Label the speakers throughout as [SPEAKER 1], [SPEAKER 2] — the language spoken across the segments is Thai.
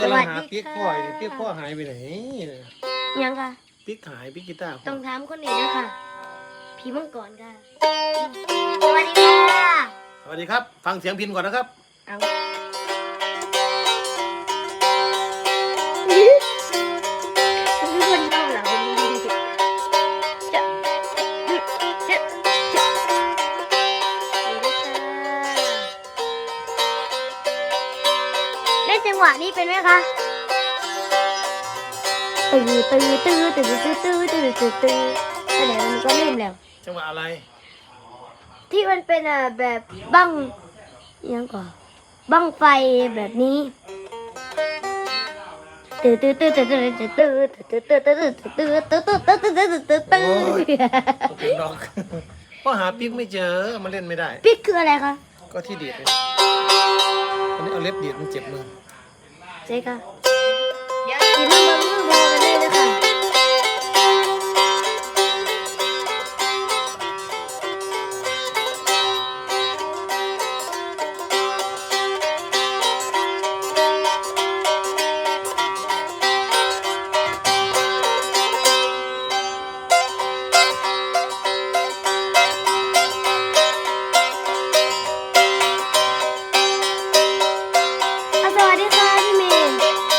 [SPEAKER 1] สวัสดี
[SPEAKER 2] ปิ๊ก
[SPEAKER 1] ค่ะ
[SPEAKER 2] พ่อยปิ๊กพ่อหายไปไหน
[SPEAKER 1] ยังค่ะ
[SPEAKER 2] ปิ๊กหายปิ๊กกีตาร์พ่
[SPEAKER 1] ต้
[SPEAKER 2] อ
[SPEAKER 1] องถามคนอื่นด้วยค่ะ พี่มังกรค่ะ สวัสดีค่ะ
[SPEAKER 2] สวัสดีครับ ฟังเสียงพินก่อนนะครับ
[SPEAKER 1] เอาทุกคนเข้าเหรอจะเล่นจังหวะนี้เป็นไหมคะตื้อแต่มันก็ลืมแล้ว
[SPEAKER 2] จังหวะอะไร
[SPEAKER 1] ที่มันเป็นแบบบั้งยังก่อนบั้งไฟแบบนี้ตื้อตื้อตื้อตื้อตื้อตื้อตื้อตื้อตื้อตื้อตื้อตื้อตื้อตื้อตื้อตื้อตื้อตื้อ
[SPEAKER 2] เป็นดอกพ่อหาปิ๊กไม่เจอมันเล่นไม่ได้
[SPEAKER 1] ปิ๊กคืออะไรคะ
[SPEAKER 2] ก็ที่ดีดเลยอันนี้เอาเล็บดีดมันเจ็บมือ
[SPEAKER 1] ใช่ค่ะกินมือมือโบกันเลยนะคะ สวัสดีค่ะพี่เมย์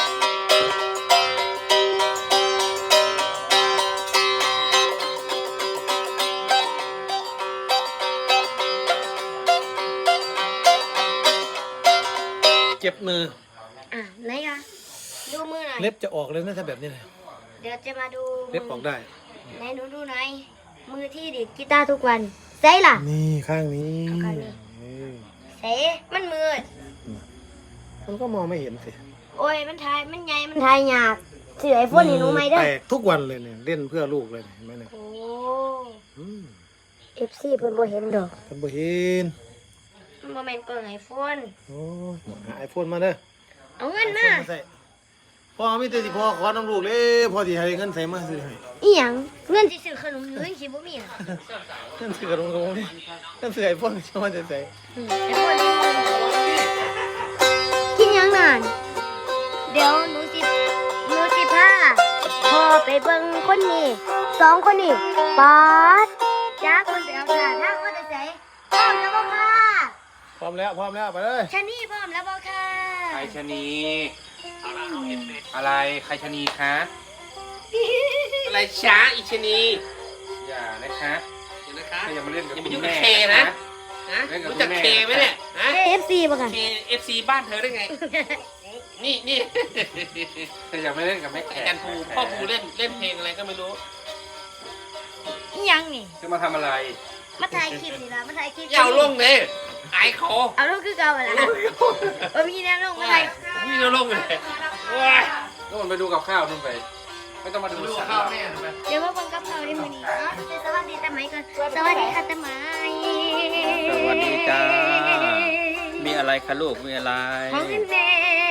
[SPEAKER 2] เจ็บมือ
[SPEAKER 1] ไหนคะดูมือหน่อย
[SPEAKER 2] เล็บจะออกเลยนะถ้าแบบนี้เลย
[SPEAKER 1] เดี๋ยวจะมาดู
[SPEAKER 2] เล็บออกได้
[SPEAKER 1] ไหนดูหน่อยมือที่ดีดกีตาร์ทุกวันใช่ล่ะ
[SPEAKER 2] นี่ข้างนี้
[SPEAKER 1] ข้างนี้
[SPEAKER 2] นี่
[SPEAKER 1] เสมันมืด
[SPEAKER 2] มันก็มองไม่เห็นสิ
[SPEAKER 1] โอ้ยมันทายมันใหญ่มันทายยากสื่อไอโฟนนี่หนูไหมเด้อ
[SPEAKER 2] แตกทุกวันเลยเนี่ยเล่นเพื่อลูกเลยเนี่ยเห็นไหมเนี่ย
[SPEAKER 1] โอ้
[SPEAKER 2] อืม
[SPEAKER 1] FC เพิ่นบ่เห็นดอก
[SPEAKER 2] ท่านบ่เห็น
[SPEAKER 1] มันบ่แม่นกล่องไอโฟน
[SPEAKER 2] โอ้ยหาไอโฟนมาเด้อ
[SPEAKER 1] เอาเงินมา
[SPEAKER 2] ไอโฟนใส่พ่อมีแต่สิพ่อขอน้ำลูกเลยพ่อสิให้เงินใส่มาซื้อให้
[SPEAKER 1] อีหยังเงินสิซื้อขนมหรือเงินสิบ่มีอ่ะ
[SPEAKER 2] เงินซื้อกับลงกับผมนี่เงินซื้อไอโฟนจะมาจะใส่
[SPEAKER 1] ไอโฟนกินหยังนานเดี๋ยวหนูสิพาพ่อไปเบิ่งคนนี้สองคนนี้ป๊าดจ้าคนไปเอาค่ะทางว่าจะใส่พร้อมแล้วบ่ค่ะ
[SPEAKER 2] พร้อมแล้วไปเลย
[SPEAKER 1] ชะนี่พร้อมแล้วบ่ค่ะ
[SPEAKER 3] ใครชะนีอะไรใครชะนีคะอะไรช้าอีชะนีอย่านะคะอย่ามาเล่นกับ
[SPEAKER 4] อย่า
[SPEAKER 3] คุ
[SPEAKER 4] มายุ่
[SPEAKER 3] ณ
[SPEAKER 4] งกับ
[SPEAKER 3] แม่
[SPEAKER 4] เคนะ
[SPEAKER 3] นะ
[SPEAKER 4] นะรู้จักเคไหมเนี่ยฮะ
[SPEAKER 1] FC บ่ค่ะ
[SPEAKER 4] เคFC บ้านเธอได้ไง นี่
[SPEAKER 3] อย่ามาเล่นกับแม่
[SPEAKER 4] อา
[SPEAKER 3] แก่
[SPEAKER 4] จารย์ภูพ่อภูเล่นเพลงอะไรก็ไม่รู้
[SPEAKER 1] อีหยังนี่
[SPEAKER 3] จะมาทำอะไร
[SPEAKER 1] มาถ่ายคลิปนี่ล่ะมาถ่ายคลิป
[SPEAKER 4] อย่าเอาลงเลยอายคอ
[SPEAKER 1] เอาลงคือเก่าอะล่ะมีแนวลงมาถ่าย
[SPEAKER 4] นี่เราลงเลยว้าย
[SPEAKER 3] นู่นไปดูกับข้าวนู่นไป ไม่ต้องมาดู
[SPEAKER 4] ดู
[SPEAKER 3] ฉัน
[SPEAKER 4] ข้าวแม่ไป
[SPEAKER 1] เดี๋ยวมาเบังกับเขาได้มื้อนี้สวัสดีตาไหมก่อนสวัสดีค่ะตาไหม
[SPEAKER 5] สวัสดีจ้า มีอะไรคะลูก มีอะไร
[SPEAKER 1] ของพี่แม่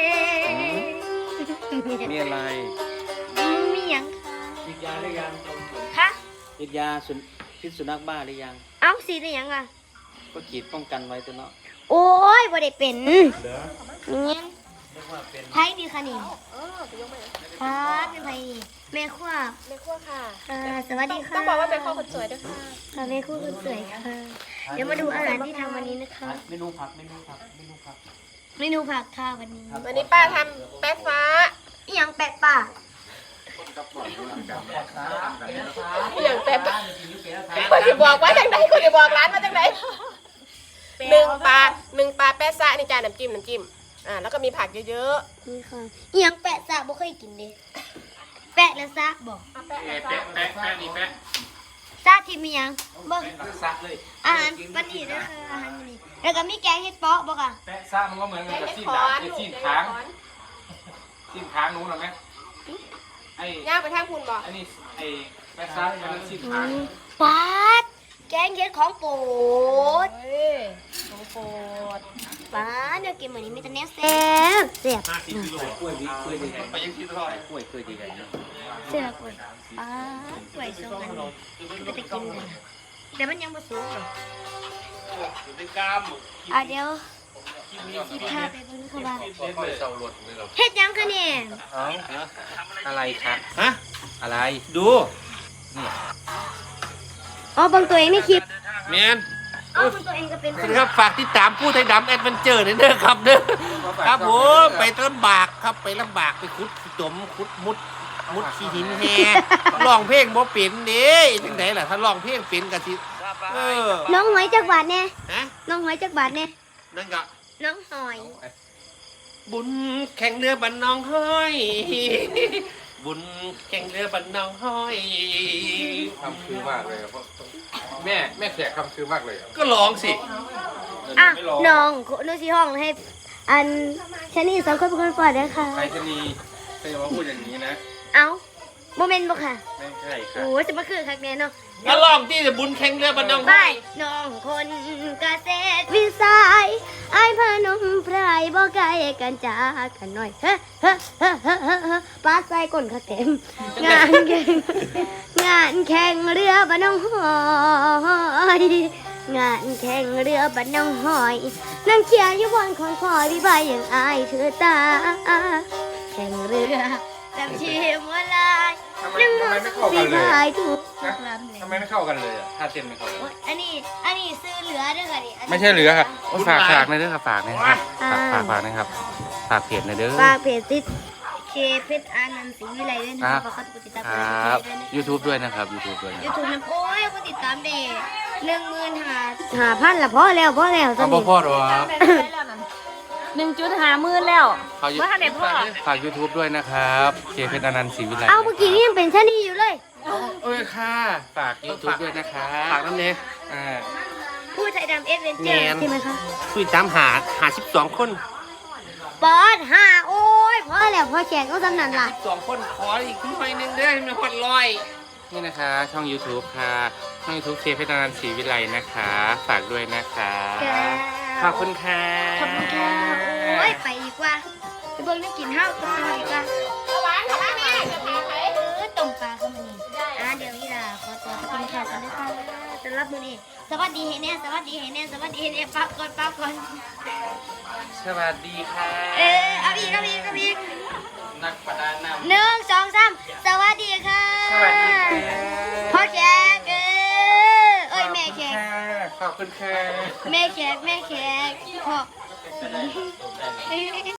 [SPEAKER 5] มีอะไร
[SPEAKER 1] มีหยัง
[SPEAKER 5] ฉีดยาหรือยัง
[SPEAKER 1] คะ
[SPEAKER 5] ฉีดยาพิษสุนัขบ้าหรือยัง
[SPEAKER 1] เอ้าสีได้หยังอ่ะ
[SPEAKER 5] ก็ฉีดป้องกันไว้ตัวเนาะ
[SPEAKER 1] โอ้ยบ่ได้เป็นเนี่ยไผดีค่ะนี่ครับเป็นไผนี่แม่ครัว
[SPEAKER 6] แม่ครัวค่ะ
[SPEAKER 1] สวัสดีค่ะ
[SPEAKER 6] ต้องบอกว่าเป็นพ่อคนสวยด้วยค่ะ
[SPEAKER 1] ค่ะแม่ครัวคนสวยค่ะ เดี๋ยวมาดูอาหารที่ทำวันนี้นะคะ
[SPEAKER 5] เมนูผัก
[SPEAKER 1] เมนูผักค่ะวันนี้
[SPEAKER 6] วันนี้ป้าทำแป๊ะฟ้า
[SPEAKER 1] อีหยังแปะป่า
[SPEAKER 6] อย่างแป๊ะคุณจะบอกว่าจังไหนคุณจะบอกร้านว่าจังไหนหนึ่งปลาแป๊ะซ่านี่จานน้ำจิ้มแล้วก็มีผักเยอะ
[SPEAKER 1] นี่ค่ะอีหยังแปะซะบ่เคยกินเด้แปะแล้วซะบอก
[SPEAKER 6] ๆแป๊ะ
[SPEAKER 4] แปะนี่แปะ
[SPEAKER 1] ซาที่มีหยังเบิ่ง
[SPEAKER 4] ซักเลย
[SPEAKER 1] อาหารวันนี้เด้อค่ะอาหารวันนี้แล้วก็มีแกงเห็ดเปาะบ่ค่ะ
[SPEAKER 3] แปะซ่ามันก็เหมือนกับซีน
[SPEAKER 6] ข
[SPEAKER 3] ดา
[SPEAKER 6] อน
[SPEAKER 3] ไอ้ซีนค้างซีนค้างนู้นหรอไหมไอ้
[SPEAKER 6] ย่างไปทางคุณบอก
[SPEAKER 3] ไอ้นี่ไอ้แปะซ่ามันเป็นซีนค้าง
[SPEAKER 1] ปาดแกงเห็ดของโปรด
[SPEAKER 6] ของโปรด
[SPEAKER 1] ปาดเดี๋ยวกินมื้อนี้มีแต่แนวแซ่บแซ่บ
[SPEAKER 5] กล้วยเคยดีไง
[SPEAKER 4] ไปยังที่ทอด
[SPEAKER 5] กล้วยเคยดีไง
[SPEAKER 1] แซ่บกล้วยปาดกล้วยสองอันนี้ก็จะกินเลยแต่มันยังบ่สุกหรอก
[SPEAKER 4] เป็นกาม
[SPEAKER 1] เดี๋ยวสิพาไปเบิ่งเขาว่า
[SPEAKER 3] เศร้ารถเลยเรา
[SPEAKER 1] เฮ็ดหยังคะเนี่ย
[SPEAKER 5] เอาอะไรครับ
[SPEAKER 2] ฮะ
[SPEAKER 5] อะไร
[SPEAKER 2] ดู
[SPEAKER 1] อ๋อเบิ่งตัวเองในคลิป
[SPEAKER 4] แมน
[SPEAKER 1] อ๋อเบิ่งตัวเองก็เป็น
[SPEAKER 4] สวัสดีครับฝากติดตามผู้ไทยดำแอดเวนเจอร์เด้อครับเด้อครับผมไปลำบากครับไปลำบากไปขุดขี้จมขุดมุดขี้หินแห่ร้องเพลงบ่เป็นเด้จังไดล่ะถ้าร้องเพลงเป็นก็สิเออ
[SPEAKER 1] น้องหอยจักบาทแน่
[SPEAKER 4] ฮะ
[SPEAKER 1] น้องหอยจักบาทแน่
[SPEAKER 4] นั่นก็
[SPEAKER 1] น้องหอย
[SPEAKER 4] บุญแข่งเรือบันน้องห้อย บุญแข่งเรือบันน้องห้อย
[SPEAKER 3] คำคือมากเลยเพราะแม่แขกคำคือมากเลย
[SPEAKER 4] ก็ร้องสิ
[SPEAKER 1] อ่ะน้องหนูสิห้องให้อันชะนีสองคนเป็นคนปล่อยนะคะ
[SPEAKER 5] ใครจะมีใครจะมาพูดอย่างนี้นะ
[SPEAKER 1] เอ้าโมเมนต์บ่ค่ะ
[SPEAKER 5] ไม่ใช่ค่ะ
[SPEAKER 1] โอ้จะมาคือคักแน่เนาะ
[SPEAKER 4] ก็ร้องที่บุญแข่งเรือบันน้อง
[SPEAKER 1] ไป
[SPEAKER 4] ห้อย
[SPEAKER 1] น้องคนเกษตรวิสัยไอ้ายพนมไพรบ่ไกลกันจากกันหน่อยเฮ้เฮ้เฮ้เฮ้เฮ้เฮ้ปาดใส่ก้นขาเต็มงานแข่งงานแข่งเรือบ้านน้องหอยงานแข่งเรือบ้านน้องหอยนั่งเขียอยู่บนคอนคอยพี่ใบอย่างอายเธอตาแข่งเรือจำชีมวลายนั่งมองพี่ใบทุกลำเลย
[SPEAKER 5] ทำไมไม่เข้ากันเลยอ่ะถ้าเต้นไม่เข้ากัน
[SPEAKER 1] โอ๊ยอันนี้ซื้อเหลือด้วยค่ะนี่นนี้
[SPEAKER 5] ไม่ใช่เหลือครับโอ้ฝากในอยเด้อครับฝากนะครับฝากนะครับฝากเพจในอยเด้อ
[SPEAKER 1] ฝากเพจติดเคเพชรอานันต์ศรีวิไลด้วยนะคะฝากเขาติดตาม
[SPEAKER 5] ครับ
[SPEAKER 1] ด้วยนะ
[SPEAKER 5] YouTube ด้วยนะครับ YouTube ด้วยนะ
[SPEAKER 1] ยูทูบน้ำโอ้ยผู้ติดตามเด็15,000ละพอแล้วตอน
[SPEAKER 5] เอา
[SPEAKER 1] นี้
[SPEAKER 5] พ่อหรอครับ
[SPEAKER 7] 1.50,000แล้ว
[SPEAKER 5] ฝาก
[SPEAKER 7] เมื่อทันได้พ่อ
[SPEAKER 5] ฝาก YouTube ด้วยนะครับเคเพชรอนันต์ศรีวิไล
[SPEAKER 1] เอาเมื่อกี้นี่ยังเป็นชะนีอยู่เลย
[SPEAKER 5] เอ้ยค่ะฝาก YouTube ด้วยนะครับ
[SPEAKER 4] ฝากน้ำเนี้ย
[SPEAKER 1] ผู้ใจดำเอสเวนเจอร์
[SPEAKER 4] แมน
[SPEAKER 1] ใช่ไหมคะ
[SPEAKER 4] คุยตามหา12 คน
[SPEAKER 1] ปอด5โอ้ยพอแล้วพอแขกก็สำนันล่ะ
[SPEAKER 4] 12 คนขออีกหน่อยหนึงเด้อให้มันฮอดร้อย
[SPEAKER 5] นี่นะคะ ช่อง YouTube ค่ะช่อง YouTube เคเพชรอนันต์ศรีวิไลนะคะ ฝากด้วยนะคะขอบคุณค่ะ
[SPEAKER 1] ขอบคุณค่ะโอ้ยไปดีกว่าไปเบิ่งน้ำกินข้าวกันต่อดีกว่า
[SPEAKER 6] หวานค่ะแม่จะพาไป
[SPEAKER 1] ต้มปลาเข้ามานี่เดี๋ยวอีหล่าขอตัวไปกินข้าวกันนะคะสำหรับมื้อนี้สวัสดีให้แน่สวัสดีให้แน่สวัสดีให้แน่ปั๊บก่อน
[SPEAKER 5] สวัสดีค่ะ
[SPEAKER 1] เอาอีก
[SPEAKER 5] นักประดาน้ำ
[SPEAKER 1] 1 2 3สวัสดีค่ะ
[SPEAKER 5] สวัสดีค่ะ
[SPEAKER 1] พ่อแขกเอ้ยแม่แขก
[SPEAKER 5] ขอบคุณค่ะ
[SPEAKER 1] แม่แขกพ่อ